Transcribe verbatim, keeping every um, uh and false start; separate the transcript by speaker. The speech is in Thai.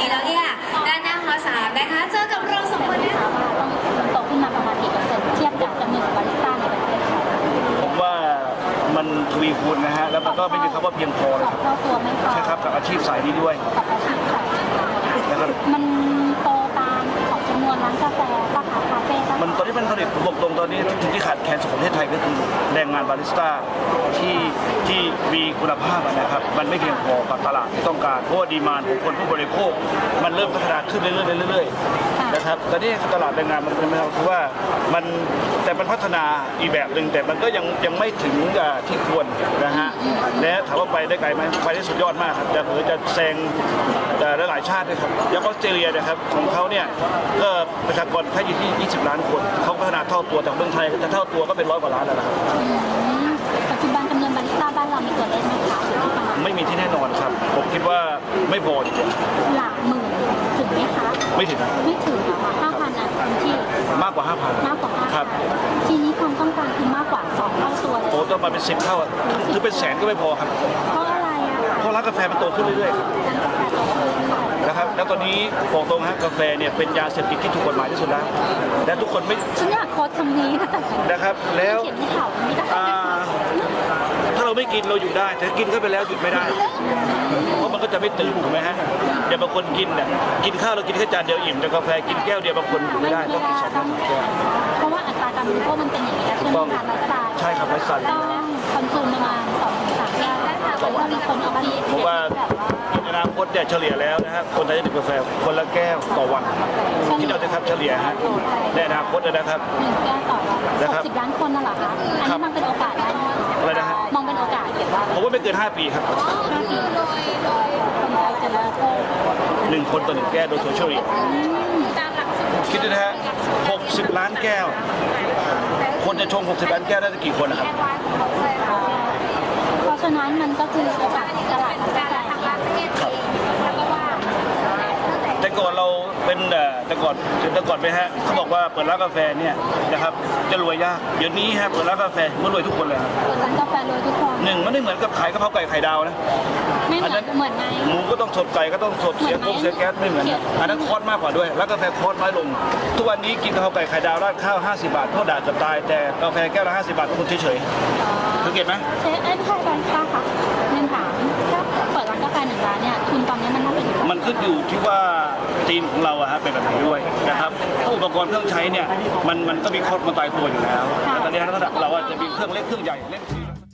Speaker 1: นี้แล้วเนี่ยด้านหน้าหอสามนะคะเจอกับเราสองคนเนี่ย
Speaker 2: โตขึ้นมาประมาณกี่เปอร์เซ็นต์เทียบกับจำนวนบาริสต้าในประเทศไทย
Speaker 3: ผมว่ามันทวีคูณนะฮะแล้วมันก็ไม่มีคำว่าเพียงพอ
Speaker 2: ส
Speaker 3: นะ
Speaker 2: อ
Speaker 3: ค
Speaker 2: บ
Speaker 3: รับ
Speaker 2: เท่าตัวไม่พอ
Speaker 3: ใช่ครับกับอาชีพสายนี้ด้วย
Speaker 2: กับอาชีพค่ะ
Speaker 3: นะครับ
Speaker 2: มันโตตามของจำนวนร้านกาแฟป้าขาคาเฟ่ป้า
Speaker 3: มันตอนนี้มันผลิตผมบอกตรงตอนนี้สิ่งที่ขาดแคลนของประเทศไทยก็คือแรงงานบาริสต้าที่ที่มีคุณภาพนะครับมันไม่เพียงพอกับตลาดที่ต้องการเพราะว่าดีมานด์ของคนผู้บริโภคมันเริ่มพัฒนาขึ้นเรื่อยๆเรื่อยๆนะครับตอนนี้ตลาดแรงงานมันเป็นแบบคือว่ามันแต่มันพัฒนาอีกแบบหนึ่งแต่มันก็ยังยังไม่ถึงที่ควรนะฮะและถามว่าไปได้ไกลไหมไปได้สุดยอดมากครับจะเผื่อจะแซงหลายๆชาติด้วยครับอย่างออสเตรเลียนะครับของเขาเนี่ยก็ประชากรแค่อยู่ที่ยี่สิบล้านคนเขาพัฒนาเท่าตัวจากเมืองไทยจะเท่าตัวก็เป็นร้อยกว่าล้านแล้วนะครับ
Speaker 2: ปัจจุบันจำนวนบาริสต้าบ้านเรามีตัวเลขไหมคะอยู่ที่ประมาณ
Speaker 3: ไม่มีที่แน่นอนครับผมคิดว่าไม่พอจริง
Speaker 2: หลักหมื่นถึงไหมคะ
Speaker 3: ๆไม่ถึงนะ
Speaker 2: ไม่ถึงหรอคะห้าพันอ่ะพื้นที่
Speaker 3: มากกว่าห้าพัน
Speaker 2: มากกว่าห้า
Speaker 3: ครับ
Speaker 2: ทีนี้ความต้องการคือมากกว่าสองเท่าตัวเลย
Speaker 3: โอ้ต้องมาเป็นสิบเท่าอะถึงเป็นแสนก็ไม่พอครับ
Speaker 2: เพราะอะไรอะคะ
Speaker 3: เพราะร้านกาแฟมันโตขึ้นเรื่อยๆครับ
Speaker 2: ร้านกาแฟโตขึ้นค่ะ
Speaker 3: นะครับแล้วตอนนี้บอกตรงฮะกาแฟเนี่ยเป็นยาเสพติดที่ถูกกฎหมายที่สุดแล้วและทุกคนไม่
Speaker 2: ฉันอยากโค้ดคำนี้นะแต่
Speaker 3: นะครับแล้ว
Speaker 2: เขียนในข่าวไม่ได้
Speaker 3: อ่าถ้าเราไม่กินเราหยุดได้แต่กินเข้าไปแล้วหยุดไม่ได้ เพราะมันก็จะไม่ตื่นถูกไหมฮะเดี๋ยวบางคนกินเนี่ยกินข้าวเรากินแค่จานเดียวอิ่มแต่กาแฟกินแก้วเดียวบางคนอยู่ไม่ได้ต้องกินสองแก้วสามแก้ว
Speaker 2: เพราะว่าอัตราการบริโภคมันเป็นอย่างนี้แล้วใช่ไหมคะไลฟ์สไตล์
Speaker 3: ใช่ครับไลฟ์สไตล์
Speaker 2: ต้องคอนซูมประมาณสองถึงสามแก้วแต่ว่ามีคนเอาไป
Speaker 3: เพราะว่าในอนาคตเนี่ยเฉลี่ยแล้วนะฮะคนไทยจะดื่มกาแฟคนละแก้วต่อวันที่เราจะครับเฉลี่ยฮะในอนาคตนะครับ
Speaker 2: หนึ่งแก้วต่อวัน
Speaker 3: นะครับ
Speaker 2: หกสิบล้านคนน่ะเหรอคะอันนี้มองเป็นโอกาสได้ไหม
Speaker 3: อะไรนะฮะ
Speaker 2: มองเป็นโอกาสเก็บว่า
Speaker 3: ผมว่าไม่เกินห้าปีครับ
Speaker 2: ห้าปีคนไทยจะเลิกโทษ
Speaker 3: หนึ่งคนต่อหนึ่งแก้วโดยโซเชียลอีกคิดดูนะฮะหกสิบล้านแก้ว คนจะชงหกสิบล้านแก้วได้กี่คนนะครับ
Speaker 2: เพราะฉะนั้นมันก็คือโอกาสในตลาดกาแฟ
Speaker 3: แต่ก่อนเราเป็นเอ่อแต่ก่อนแต่ก่อนไปฮะเขาบอกว่าเปิดร้านกาแฟเนี่ยนะครับจะรวยยากเดี๋ยวนี้ฮะเปิดร้านกาแฟมันรวยทุกคนเลยครับ
Speaker 2: เปิดร้านกาแฟรวยทุกคน
Speaker 3: หนึ่งมันไม่เหมือนกับขายกะเพราไก่ไข่ดาวนะ
Speaker 2: ไม่เหมือนเหมือนไง
Speaker 3: หมูก็ต้องสดไก่ก็ต้องสดเสียง
Speaker 2: เหมื
Speaker 3: ก
Speaker 2: อน
Speaker 3: ง
Speaker 2: ไหม
Speaker 3: เสียแก๊สไม่เหมือนนะอันนั้นคอสมากกว่าด้วยแล้วกาแฟคอสน้อยลง ทุกวันนี้กินกะเพราไก่ไข่ดาวราดข้าวห้าสิบบาทโทษด่าเกือบตายแต่กาแฟแก้วละห้าสิบบาททุกคนเฉยๆสังเกตไหม
Speaker 2: เชฟเอ้ยไม่ใช่ร้านค้าค่ะเรียนถามถ้าเปิดร้านกาแฟหนึ่งร้านเนี่ยทุนตอนนี้มันเท่าไหร่
Speaker 3: มันขึ้นอยู่ที่ว่าทีมของเราอะฮะเป็นแบบไหนด้วยนะครับถ้าอุปกรณ์เครื่องใช้เนี่ยมันมันก็มีคอสมาตายตัวอยู่แล้วแต่ตอนนี้เราเราอาจจะมีเครื่องเล็กเครื่องใหญ่เล่น